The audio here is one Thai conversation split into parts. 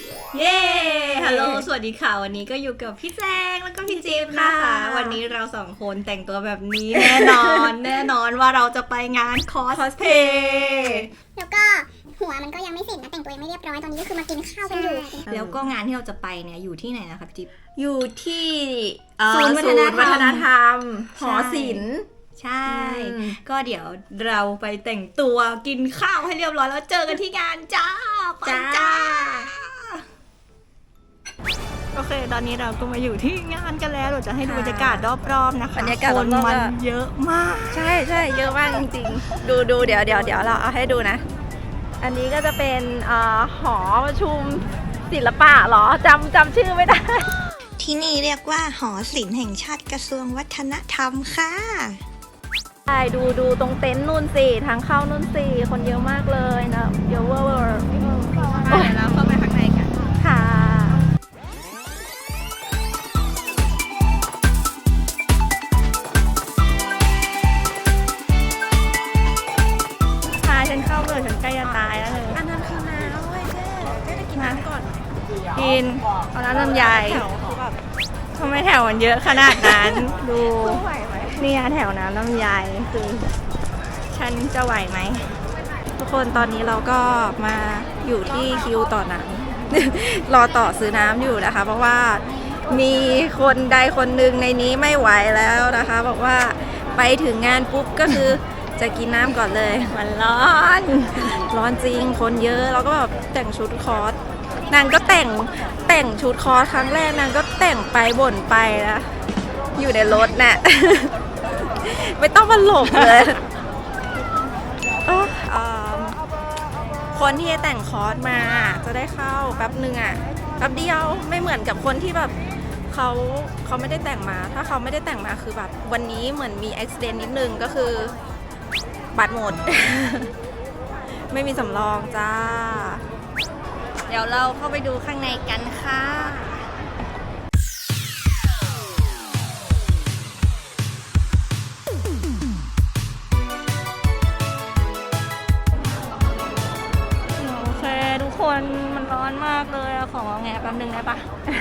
เย้ ฮัลโหล สวัสดีค่ะ วันนี้ก็อยู่กับพี่แจงแล้วก็พี่จิ๊บนะคะ วันนี้เราสองคนแต่งตัวแบบนี้แน่นอน แน่นอนว่าเราจะไปงานคอสเพย์แล้วก็หัวมันก็ยังไม่เสร็จนะแต่งตัวยังไม่เรียบร้อยตอนนี้ก็คือมากินข้าวกันอยู่แล้วก็งานที่เราจะไปเนี่ยอยู่ที่ไหนนะคะพี่จิ๊บ อยู่ที่ศูนย์วัฒนธรรมหอศิลป์ใช่ ก็เดี๋ยวเราไปแต่งตัวกินข้าวให้เรียบร้อยแล้วเจอกันที่งานจ้าไปจ้า โอเค ตอนนี้เราก็มาอยู่ที่งานกันแล้วเราจะให้ดูบรรยากาศรอบๆนะคะบรรยากาศคนรอบๆมันเยอะมากใช่ใช่เยอะมากจริงๆ ดูเดี๋ยวเราเอาให้ดูนะ อันนี้ก็จะเป็นหอประชุมศิลปะเหรอจำชื่อไม่ได้ที่นี่เรียกว่าหอศิลป์แห่งชาติกระทรวงวัฒนธรรมค่ะใช่ดูตรงเต็นท์นู่นสิทางเข้านู่นสิคนเยอะมากเลยนะเยอะเวอร์แล้วเข้าไปข้างในกันค่ะพาฉันเข้าเลยฉันใกล้จะตายแล้วเลยอันนั้นคือน้ำเว้ยแค่ได้กินน้ำก่อนกินเอาน้ำลำไยแถวคือแบบทำไมแถวมันเยอะขนาดนั้น ดูไหวไหมเนี่ยแถวน้ำลำไยคือฉันจะไหวไหม ทุกคนตอนนี้เราก็มาอยู่ที่คิวต่อน้ำ รอต่อซื้อน้ำอยู่นะคะ เพราะว่ามีคนใดคนหนึ่งในนี้ไม่ไหวแล้วนะคะบอกว่าไปถึงงานปุ๊บก็คือจะกินน้ำก่อนเลย มันร้อน ร้อนจริงคนเยอะแล้วก็แบบแต่งชุดคอสนางก็แต่งชุดคอสครั้งแรกนางก็แต่งไปบ่นไปนะอยู่ในรถน่ะ ไม่ต้องมาหลบเลยคนที่แต่งคอร์สมาจะได้เข้าแป๊บหนึ่งอ่ะแป๊บเดียวไม่เหมือนกับคนที่แบบเขาไม่ได้แต่งมาถ้าเขาไม่ได้แต่งมาคือแบบวันนี้เหมือนมีอุบิเหตุนิดนึงก็คือบัตรหมด ไม่มีสำรองจ้าเดี๋ยวเราเข้าไปดูข้างในกันค่ะโอเคทุกคนมันร้อนมากเลยอะของงอแงแป๊บนึงได้ปะ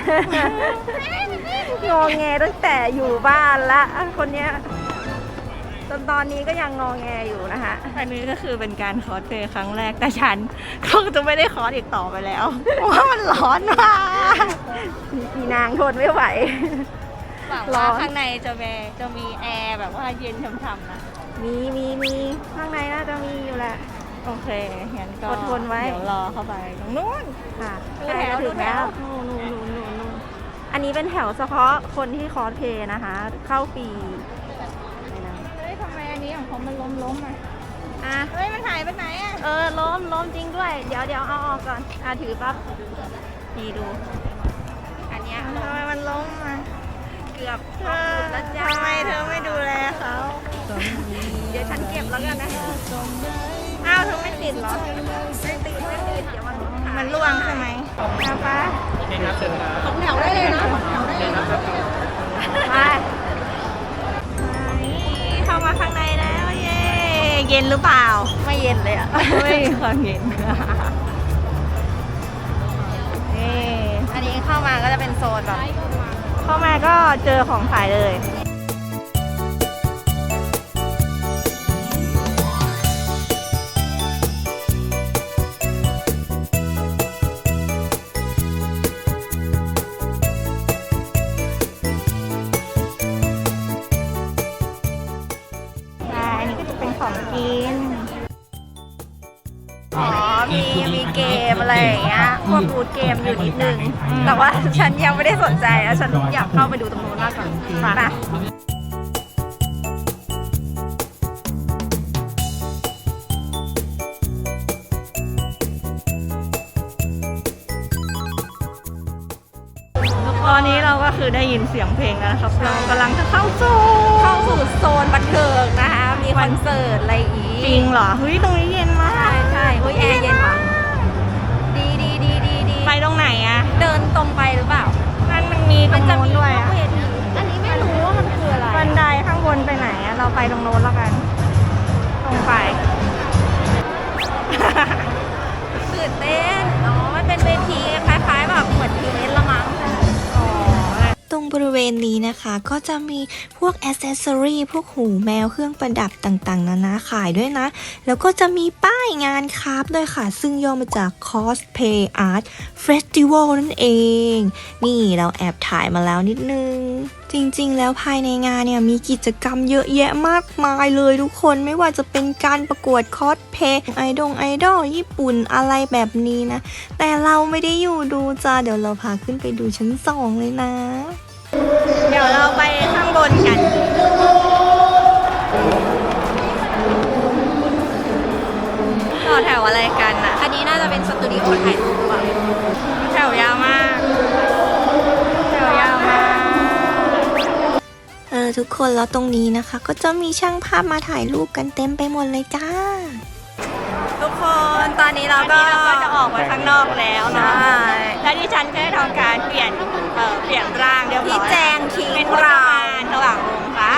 งอแงตั้งแต่อยู่บ้านละคนเนี้ยจนตอนนี้ก็ยังงอแงอยู่นะคะอันนี้ก็คือเป็นการคอสเพลย์ครั้งแรกแต่ฉันก็จะไม่ได้คอสอีกต่อไปแล้ว เพราะว่ามันร้อนมากมีนางทนไม่ไหวหวังร้ว่าอนข้างในจะมีแอร์แบบว่าเย็นช่ำๆนะมีข้างในน่าจะมีอยู่แหละโอเคงั้นก็อดทนไว้เดี๋ยวรอเข้าไปตรงนู้นค่ะดูใกล้แถวจะถึงแล้วดูแถวนู่นอันนี้เป็นแถวเฉพาะคนที่คอสเพลย์นะคะ เข้าฟรีอะไรนะเฮ้ยทำไมอันนี้ของเขามันล้มอ่ะอ่ะเฮ้ยมันหายไปไหนอ่ะล้มจริงด้วย เดี๋ยวเอาออกก่อนถือปั๊บนี่ดู อันเนี้ยทำไมมันล้มอ่ะเกือบเธออกอหลุดแล้วจ้าทำไมเธอไม่ดูแลเขาเดี๋ยวฉันเก็บแล้วกันนะอ้าวเธอไม่ติดเหรอไม่ติดเดี๋ยวมันมันร่วงใช่ไหมนะป้าของแถวได้เลยนะไปเข้ามาข้างในแล้วเย้เย็นหรือเปล่าไม่เย็นเลยอ่ะไม่มีความเย็นนี่อันนี้เข้ามาก็จะเป็นโซนแบบเข้ามาก็เจอของขายเลย อันนี้ก็จะเป็นของกินอ๋อ มีเกมอะไรอย่างเงี้ย พวกบูธเกมอยู่นิดนึง แต่ว่าฉันยังไม่ได้สนใจแล้วฉันอยากเข้าไปดูตรงนู้นมากกว่าไปตอนนี้เราก็คือได้ยินเสียงเพลงแล้วนะครับ เรากำลังจะเข้าสู่โซนบันเทิงนะคะ มีคอนเสิร์ตอะไรอีกจริงเหรอ เฮ้ย ตรงนี้เย็นมากใช่อุ้ยแอร์เย็นว่ะดีไปตรงไหนอะเดินตรงไปหรือเปล่านั่นมันมีตรงโน้นด้วยอะเวทีอันนี้ไม่รู้ว่ามันคืออะไรบันไดข้างบนไปไหนอะเราไปตรงโน้นแล้วกัน ตรงไปตื่นเต้นอ๋อมันเป็นเวทีคล้ายๆณนี้นะคะก็จะมีพวกแอ c เซสซอรี่พวกหูแมวเครื่องประดับต่างๆนานาขายด้วยนะแล้วก็จะมีป้ายงานคราฟต์ด้วยค่ะซึ่งย่อมาจาก Cosplay Art Festival นั่นเองนี่เราแอบถ่ายมาแล้วนิดนึงจริงๆแล้วภายในงานเนี่ยมีกิจกรรมเยอะแยะมากมายเลยทุกคนไม่ว่าจะเป็นการประกวดคอสเพลย์ไอดอลญี่ปุ่นอะไรแบบนี้นะแต่เราไม่ได้อยู่ดูจ้าเดี๋ยวเราพาขึ้นไปดูชั้น2เลยนะเดี๋ยวเราไปข้างบนกันต่อแถวอะไรกันอ่ะอันนี้น่าจะเป็นสตูดิโอถ่ายรูปอ่ะแถวยาวมาก แถวยาวมากทุกคนแล้วตรงนี้นะคะ ก็จะมีช่างภาพมาถ่ายรูปกันเต็มไปหมดเลยจ้าทุกคนตอนนี้เราก็จะออกมาข้างนอกแล้วเนาะและดิฉันก็ได้ทำการเปลี่ยนร่างเรียบร้อยพี่แจงทิ้งเป็นเราระหว่างวงค่ะ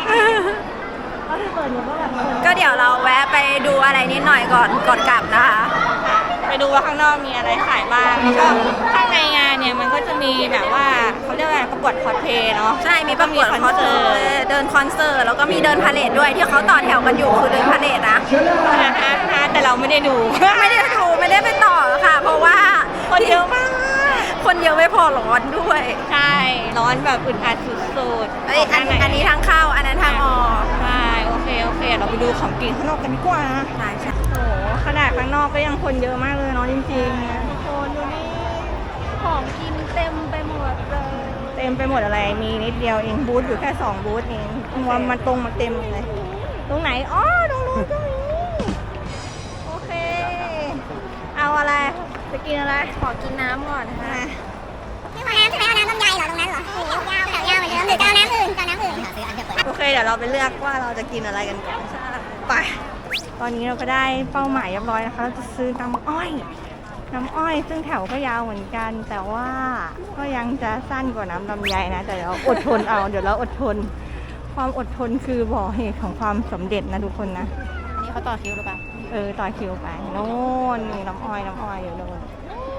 ก็เดี๋ยวเราแวะไปดูอะไรนิดหน่อยก่อนกลับนะคะไปดูว่าข้างนอกมีอะไรขายบ้างแล้วก็ข้างในงานเนี่ยมันก็จะมีแบบว่าเขาเรียกว่าประกวดคอสเพลย์เนาะใช่มีประกวดคอนเสิร์ตเดินคอนเสิร์ตแล้วก็มีเดินพาเหรดด้วยที่เขาต่อแถวกันอยู่คือเดินพาเหรดนะแต่เราไม่ได้ดูไม่ได้ไปต่อค่ะ เพราะว่าคนเยอะมากคนเยอะไม่พอร้อนด้วยใช่ร้อนแบบอึดอัดสุดๆอันนี้ทางเข้าอันนั้นทางออกใช่โอเคเราไปดูของกินข้างนอกกันดีกว่าใช่ใช่โอ้โหขนาดข้างนอกก็ยังคนเยอะมากเลยเนาะจริงๆทุกคนดูนี่ของกินเต็มไปหมดเลยเต็มไปหมดอะไรมีนิดเดียวเองบูธอยู่แค่2บูธเองมันตรงมาเต็มเลยตรงไหนอ๋อตรงนู้นก็มีโอเคเอาอะไรจะกินอะไรขอกินน้ำก่อนนะคะไม่เอาน้ำใช่ไหมเอาน้ำลำไยเหรอตรงนั้นเหรอโอ้โหยาวแถวยาวเหมือนเดิมหรือจะเอาน้ำอื่นจะเอาน้ำอื่นโอเคเดี๋ยวเราไปเลือกว่าเราจะกินอะไรกันก่อนไปตอนนี้เราก็ได้เป้าหมายเรียบร้อยนะคะเราจะซื้อน้ำอ้อยซึ่งแถวก็ยาวเหมือนกัน แต่ว่าก็ยังจะสั้นกว่าน้ำลำไยนะแต่เราอดทนเอาเดี๋ยวเราอดทนความอดทนคือบ่อเหตุของความสำเร็จนะทุกคนนะอันนี้เขาต่อคิวหรือเปล่าต่อคิวไปโน่นนี่น้ำอ้อยอยู่โน่น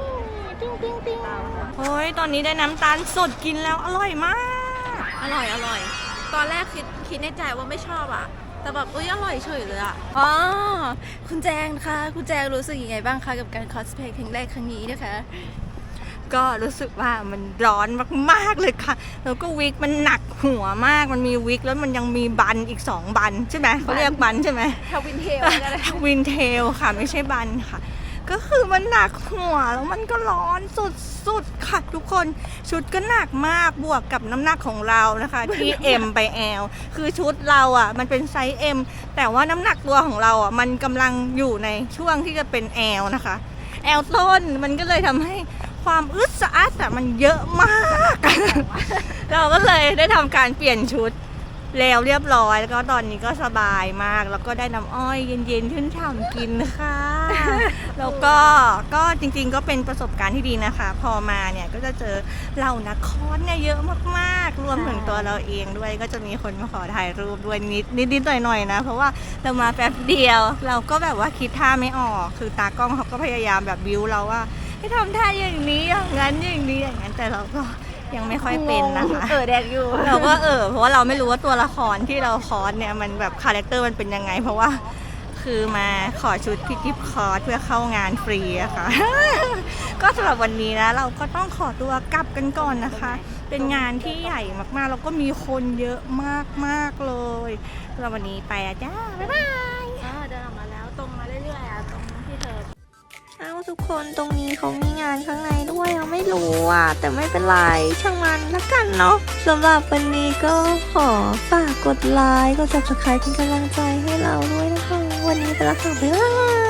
เฮ้ยตอนนี้ได้น้ำตาลสดกินแล้วอร่อยมากอร่อย ตอนแรกคิดในใจว่าไม่ชอบอ่ะแต่แบบอร่อยเฉยเลยอ่ะอ๋อคุณแจงคะคุณแจงรู้สึกยังไงบ้างคะกับการคอสเพลย์ครั้งแรกครั้งนี้นะคะก็รู้สึกว่ามันร้อนมากๆเลยค่ะแล้วก็วิกมันหนักหัวมากมันมีวิกแล้วมันยังมีบันอีก2บันใช่ไหมเขาเรียกบันใช่ไหมทวินเทลก็ได้วินเทลค่ะไม่ใช่บันค่ะก็คือมันหนักหัวแล้วมันก็ร้อนสุดๆค่ะทุกคนชุดก็หนักมากบวกกับน้ำหนักของเรานะคะที่ M ไป L คือชุดเราอ่ะมันเป็นไซส์ M แต่ว่าน้ำหนักตัวของเราอ่ะมันกำลังอยู่ในช่วงที่จะเป็น L นะคะ L ต้นมันก็เลยทำให้ความอึดสะอาดแต่มันเยอะมาก เราก็เลยได้ทำการเปลี่ยนชุดแล้วเรียบร้อยแล้วก็ตอนนี้ก็สบายมากแล้วก็ได้น้ำอ้อยเย็นๆชื่นฉ่ำกินค่ะ แล้วก็จริงๆก็เป็นประสบการณ์ที่ดีนะคะ พอมาเนี่ยก็จะเจอเหล่านักคอสเนี่ยเยอะมากๆรวมถึงตัวเราเองด้วยก็จะมีคนมาขอถ่ายรูปด้วยนิดๆหน่อยๆนะเพราะว่าเรามาแป๊บเดียวเราก็แบบว่าคิดท่าไม่ออกคือตากล้องเขาก็พยายามแบบบิ้วเราว่าให้ทำท่าอย่างนี้อย่างนั้นอย่างนั้นแต่เราก็ยังไม่ค่อยเป็นนะคะแดกอยู่เราก็เพราะว่าเราไม่รู้ว่าตัวละครที่เราคอสเนี่ยมันแบบคาแรคเตอร์มันเป็นยังไงเพราะว่าคือมาขอชุดพี่กิฟคอสเพื่อเข้างานฟรีอะค่ะ ก็สำหรับวันนี้นะเราก็ต้องขอตัวกลับกันก่อนนะคะ เป็นงานที่ใหญ่มากๆแล้วก็มีคนเยอะมากๆเลยสำหรับวันนี้ไปอะจ้าบ๊ายบายเดินออกมาแล้วตรงมาเรื่อยๆอ่ะตรงที่เธอทุกคนตรงนี้เขามีงานข้างในด้วยเราไม่รู้อ่ะแต่ไม่เป็นไรช่างมันละกันเนาะสำหรับวันนี้ก็ขอฝากกดไลค์กด subscribe เป็นกำลังใจให้เราด้วยนะคะวันนี้ไปแล้วค่ะบ๊ายบาย